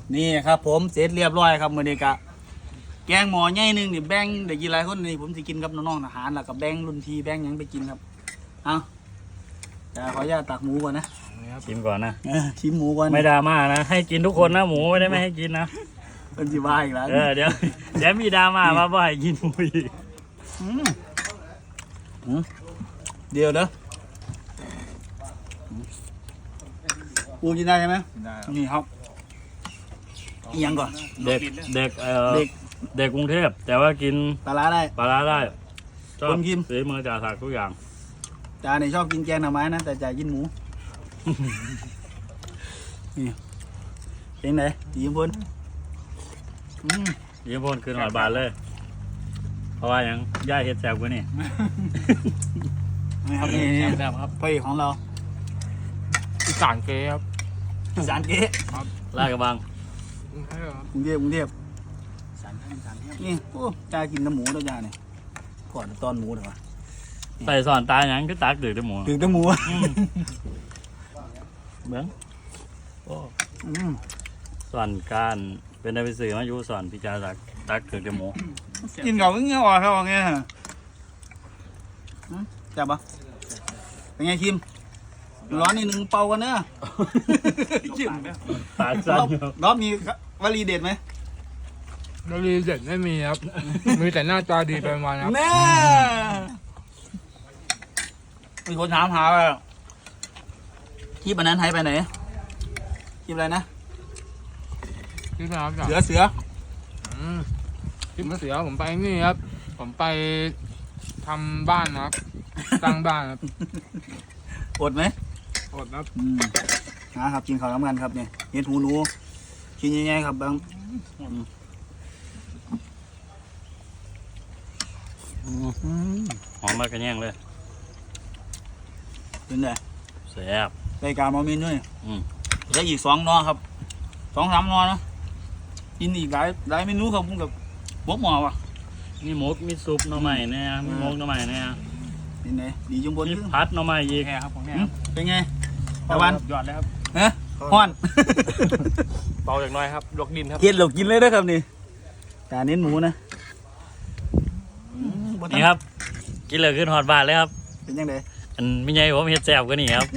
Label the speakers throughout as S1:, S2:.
S1: นี่ครับผมเสร็จเรียบร้อยครับมื้อนี้กะแกงหม้อใหญ่นึงนี่แบ่งได้กินหลายคนนี่ผมสิกินกับน้องๆทหารแล้วก็แบ่งรุ่นพี่แบ่งหยังไปกินครับเอาจะขออนุญาตตักหมูก่อนนะ
S2: ชิมก่อนนะ
S1: ชิมหมูก่อน
S2: ไม่ดราม่านะให้กินทุกคนนะหมูไม่ได้ไม่ให้กินนะ
S1: เป็นสิว่าอีกแล้ว
S2: เดี๋ยวมีดราม่ามาบ่ให้กินหมูอีก
S1: เดี๋ยวเด้อปูกินได้ใช่ไหมได้นี่ครับอีกยังก่อน
S2: เด็กเด็กกรุงเทพแต่ว่ากิน
S1: ปลาร้าได้
S2: ปลาร้าได้ชอบ
S1: คนกิน
S2: ฝีมือจ่าศักดิ์ทุกอย่าง
S1: จ่าเนี่ยชอบกินแกงหน่อไม้นะแต่จ่ากินหมูนี่เป็นไงดีมพล
S2: ยิ้มพ่นคืนหอยบาทเลย เพราะว่ายังย่าเฮ็ดแซ่บกว่านี่
S1: นี่ครับนี่
S3: แซ่บครับ
S1: พระเอกของเรา
S3: อีสานเก๊ครับ
S1: อีสานเก๊
S2: ลาดกระบัง
S1: กรุงเทพนี่โอ้จ่ากินน้ำหมูแล้วจ่าเนี่ยก่อนตอนหมูเถอะวะ
S2: ใส่สอนตาหยังก็ตักดื้อแต่หมู
S1: ถึงแต่หมู
S2: เบิ้งโอ้
S1: อืม
S2: สอนการเป็นได้ไปสื่อมาอยู่สอนพิจารศักดิ์ตักดื้อแต่หมู
S1: กินเก่าก็เงี้ยอ่อนเขาเงี้ยจับปะเป็นไงคิมร้อนนิดนึงเป่ากันเนอะ
S2: ปากสั่น
S1: รอบมีวลีเด็ดไหม
S3: ดลีเด็ดไม่มีครับ มีแต่หน้าตาดีไปมาครับ
S1: แน่มีคนถามหาว่าที่วันนั้นหายไปไหนที่อะไรนะ
S3: ที่ไหนครับ
S1: เสือ
S3: ที่เสือผมไปนี่ครับ ผมไปทำบ้านนะครับสร้างบ้านครับ
S1: อดไหม
S3: อดครับ
S1: นะครับกินข้าวน้ำกันครับเนี่ยเห็ดหูหนูกินยังไงครับบาง
S2: หอมมากกระแยงเลย
S1: เป็นไง
S2: แซ่บ
S1: รายการมามินด้วย
S2: อืม
S1: แล้วอีก2 นอครับ2-3 นอนะกินอีกหลายเมนูครับผมกับพวกหมอว่ะ
S2: มีหมกมีซุปหน่อไม้เนี่ยมีหมกหน่อไม้เนี่ย
S1: เป็นไงดีจุ่มบน
S2: มี
S1: ขึ้น
S2: พัดหน่อไม้อีก
S3: แค่ครับผมแค่
S1: เป็นไงตะวัน
S3: ยอดเลยครับ
S1: ฮะฮ้อน
S3: เบาอย่างน้อยครับลวกดินครับ
S1: เฮ็ดเรากินเลยนะครับนี่การเน้นหมูนะบ่ทั
S2: นี่ครับ กินเลยขึ้นหอดบาทเลยครับ
S1: เป็นยังไง
S2: อันไม่ใหญ่ผมเฮ็ดแซ่บกว่านี่ครับ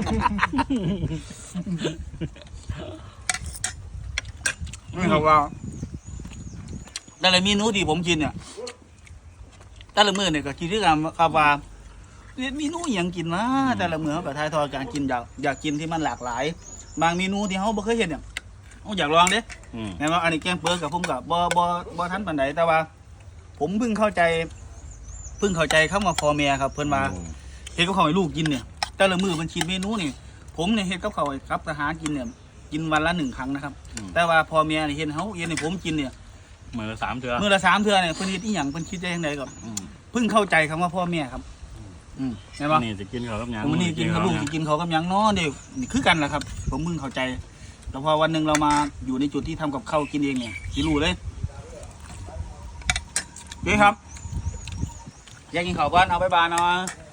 S1: นี่ครับว่าแต่ละเมนูที่ผมกินเนี่ยแต่ละมื้อเนี่ยก็คิดด้วยกันครับว่าเมนูอหย่างกินนะแต่ละมื้อเขาก็ทายทอดการกินอยากกินที่มันหลากหลาย บางเมนูที่เขาบ่เคยเห็นเนี่ยเขาอยากลองเด้
S2: อืม
S1: แม่นว่าอันนี้แกงเปิดกับผมกับบ่ทันปานใดแต่ว่า ผมเพิ่งเข้าใจคำว่าพ่อแม่ครับเพิ่นว่าเฮ็ดกับข้าวให้ลูกกินเนี่ยแต่ละมื้อมันคิดเมนูนี่ผมเนี่ยเฮ็ดกับข้าวให้ครับทหารกินเนี่ยกินวันละ1 ครั้งนะครับ แต่ว่าพ่อแม่นี่เฮ็ดให้ผมกินเนี่ย
S2: มือละ3เทื่อ
S1: มื้อละ3 เทื่อเนี่ยเพิ่นเฮ็ดอีหยังเพิ่นคิดได้จังไดก็
S2: อืม
S1: เพิ่งเข้าใจคำว่าพ่อแม่ครับแม่นบ่
S2: นี่จะกินข้าวกับหยัง
S1: ผมนี่กินกับลูกสิกินเขาวกับหยังเนาะเด็กนี่คือกันแหละครับ ผมมึงเข้าใจแต่พอวันหนึ่งเรามาอยู่ในจุดที่ทำกับข้าวกินเองเนี่ยสิรู้เลยเด้ครับอยากกินข้าวก่อนเอาไปบานเอา